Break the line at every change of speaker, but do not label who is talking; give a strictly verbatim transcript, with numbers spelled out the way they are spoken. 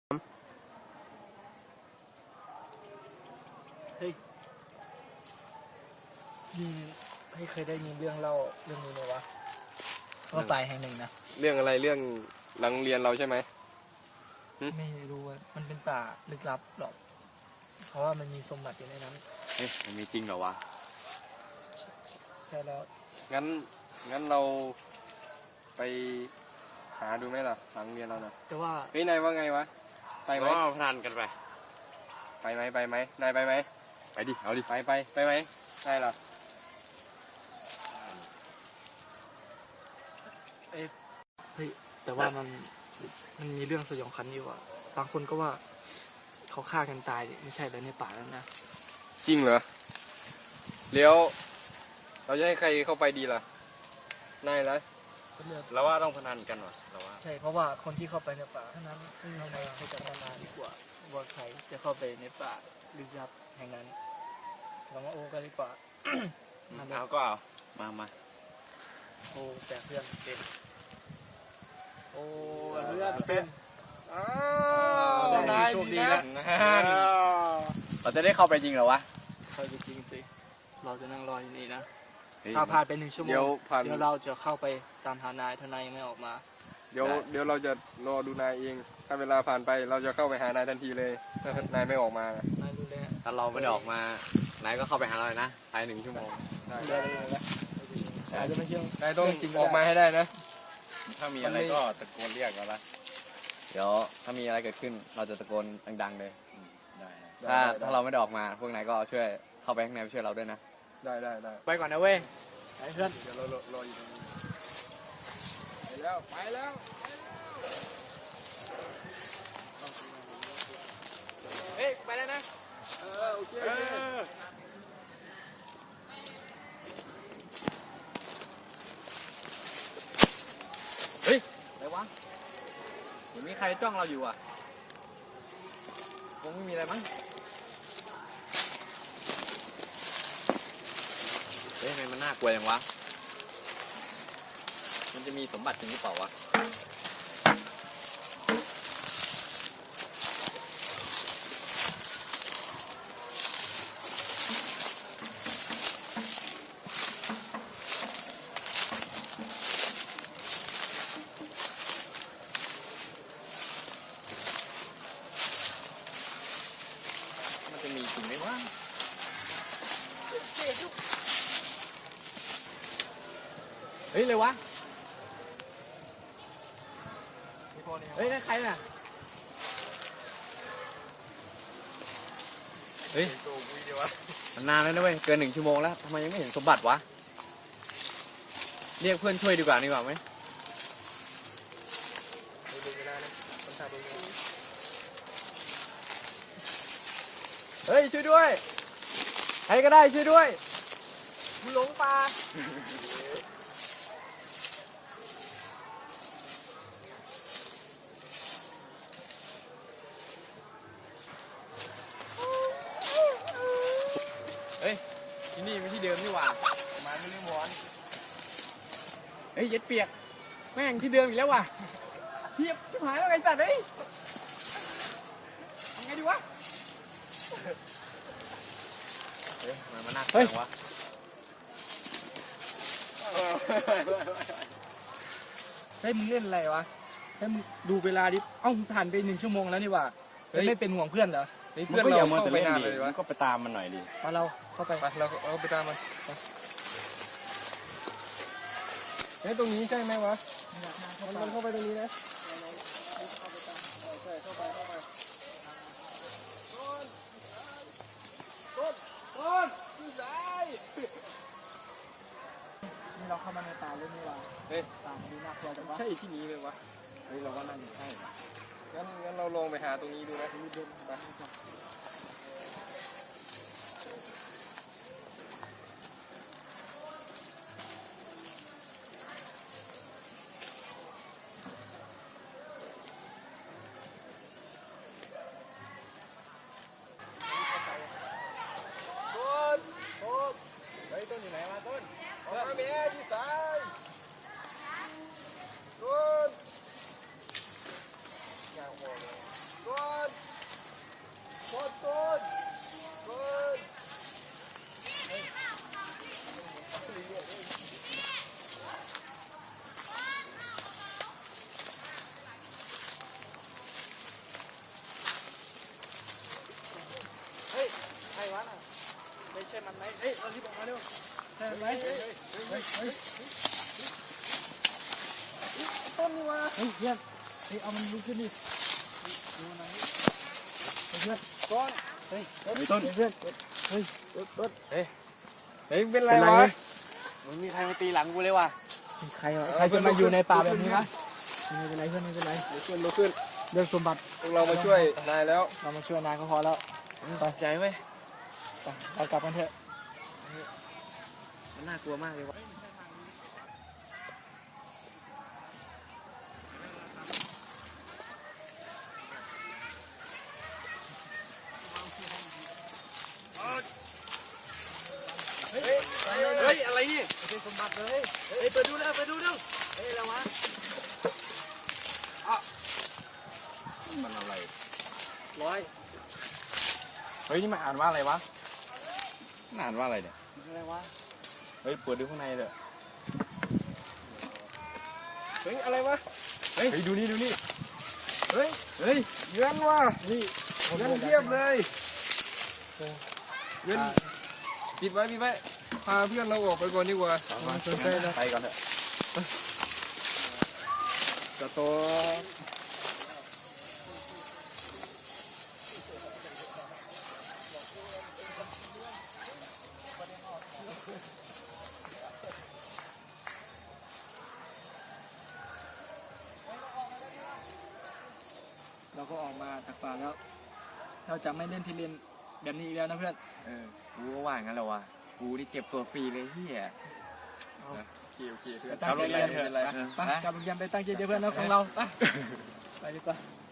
เฮ้ยนี่ให้เคยได้ยินเรื่องเล่าเรื่องนี้ไหมวะว่าป่าแห่งหนึ่งนะ
เรื่องอะไรเรื่องหลังเรียนเราใช่ไหม
ไม่รู้ว่ามันเป็นป่าลึกลับหรอกเพราะว่ามันมีสมบัติอยู่ในนั้น
เฮ้ยมันมีจริงเหรอวะ
ใช่แล้ว
งั้นงั้นเราไปหาดูไหมล่ะหลังเรียนเราเนาะ
แต่ว่า
เฮ้ยนายว่าไงวะไปไหม
ก็พนันกันไป
ไปไหมไปไหมนายไปไหม
ไปดิเอาดิ
ไปไปไปไหมนายล่ะ
เอ้เฮ้ยแต่ว่ามันมันมีเรื่องสยองขวัญอยู่อ่ะบางคนก็ว่าเขาฆ่ากันตายไม่ใช่แล้วในป่าแล้วนะ
จริงเหรอเลี้ยวเราจะให้ใครเข้าไปดีล่ะนายล่ะ
เราว่าต้องพนันกันวะเราว่า
ใช่เพราะว่าคนที่เข้าไปในป่าเท่านั้นซึ่งเราพยายามที่จะพัฒนาดีกว่าว่าใครจะเข้าไปในป่าลึกลับแห่งนั้นเรามาโอ้กันดีกว่า
เอาก็เอามามา
โอ้แต่เพื่อนเป็นโอ้เพื่อนเป็น
อ้าวได้โชคดีนะ
เราจะได้เข้าไปจริงเหรอวะ
เข้าไปจริงสิเราจะนั่งรออยู่นี่นะถ้าผ่านไปหนึ่งชั่วโมงเดี๋ยวเราจะเข้าไปตามหานายทนายยังไม่ออกมา
เดี๋ยวเดี๋ยวเราจะรอดูนายเองถ้าเวลาผ่านไปเราจะเข้าไปหานายทันทีเลยถ้านายไม่ออกมาน
ายรู้เลย
ถ้าเราไม่ได้ออกมานายก็เข้าไปหาเราเลยนะภายหนึ่งชั่วโมง
ได้ได้อาจจะไม่เชื่อน
ายต้องออกมาให้ได้นะ
ถ้ามีอะไรก็ตะโกนเรียกเราละเดี๋ยวถ้ามีอะไรเกิดขึ้นเราจะตะโกนดังๆเลยถ้าถ้าเราไม่ได้ออกมาพวกนายก็ช่วยเข้าไปข้างในช่วยเราด้วยนะ
ได้ได้ได้
ไปก่อนนะเว้ยไปเพื่อน
เดี๋ยวเรารออยู่ตรงนี้ไปแล้วไปแล้ว
เฮ้ยไปแล้วนะ
เออโอเค
เฮ้ยอะไรวะเหมือนมีใครจ้องเราอยู่อ่ะคงไม่มีอะไรมั้งเฮ้ยทำไมมันน่ากลัวอย่างวะมันจะมีสมบัติจริงหรือเปล่าวะมันจะมีจริงไหมวะเฮ้ยเลยวะเฮ้ยนั่นใครน่ะเฮ้ยมันนานแล้วนะเว้ยเกินหนึ่งชั่วโมงแล้วทำไมยังไม่เห็นสมบัติวะเรียกเพื่อนช่วยดีกว่าดีกว่าไหมเฮ้ยช่วยด้วยใครก็ได้ช่วยด้วยกูหลงป่าเฮ้ยที่นี่ไม่ที่เดิมนี่หว่ามาไม่ได้หมอนเฮ้ยเย็ดเปียกแม่งที่เดิมอีกแล้วว่ะเทียบชิบหายแล้วไงสัตว์เฮ้ยทำไงดีวะเฮ้ยมันมาหนักจังวะ
เฮ้ยมึงเล่นอะไรวะเฮ้ยมึงดูเวลาดิเอ้าผ่านไปหนึ่งชั่วโมงแล้วนี่ว่าไม่เป็นห่วงเพื่อนเหรอ
เพื่อนเราเข้าไปนานเลยวะ
ก็ไปตามมันหน่อยดิ
มาเราเข้าไป
ไปเราเราไปตามมันเฮ้ยตรงนี้ใช่ไหมวะมันเข้าไปตรงนี้นะต้นต้นอยู่ไหน
นี่เราเข้ามาในป่าเลยนี่ว่า
เฮ้ย
ป่ามันดูน่ากลัวจังวะ
ใช่ที่นี้เลยวะ
เฮ้ยเราว่าน่าจะใช่
งั้นงั้นเราลองไปหาตรงนี้ดูนะไป
ต้นอยู่ไหนมาต้น
ออกมาเมียอยู่ซ้ายต้นยางโมเลยต้
มันไหมเฮ้ยเรารีบออกมาเร็วใช่มันไหมเฮ้ยเฮ้ยเฮ้ยต้นนี่วะเฮ้ยเพื่อนเฮ้ยเอามันลุกขึ้นดิดูนะเพื่อนต้นเฮ้ยต้นเพื่อนเฮ้ยต้นเฮ้ย
เฮ้ยเป็นไรวะมันมีใครมาตีหลังกูเลยว่ะ
ใครใครจะมาอยู่ในป่าแบบนี้วะไม่เป็นไรเพื่อนไม่เป็นไร
ลุกขึ้นลุกขึ้น
เรื่องสมบัติ
พวกเรามาช่วยนายแล้ว
เรามาช่วยนายก็พอแล้วไป
ใจไหม
ไปเรากลับกันเถอะ
มันน่ากลัวมากเลยวะ
เฮ้ยอะไรนี่
เป็นสมบัติเลยเฮ้ยไปดูแล้วไปดูแล้วเฮ้ยอะไรวะ
มันอะไร
ร้อย
เฮ้ยนี่มันอ่านว่าอะไรวะมันอ่านว่าอะไรเนี่ย
อะไรวะ
เฮ้ยเปิดดูข้างในเถอะ
เฮ้ยอะไรวะ
เฮ้ยดูนี่ดูนี่
เฮ้ยเฮ้ยเงินว่ะ
นี่
เงินเทียบเลยเงินปิดไว้ปิดไว้พาเพื่อนเราออกไปก่อนดีกว่า
ไปก่อนเถอะ
จะโต
เราก็ออกมาจากป่าแล้ว เราจะไม่เล่นทีเรียนแบบนี้อีกแล้วนะเพื่อน
เออกูก็ว่างั้นแหละวะกูนี่เก็บตัวฟรีเลยเฮีย
โอเคโอเคเพื่อน
ไปตั้งใจเรียน
ไม่เป็นไร
ไปกลับโรงเรียนไปตั้งใจเรียนเพื่อนนะของเราไปไปดีกว่า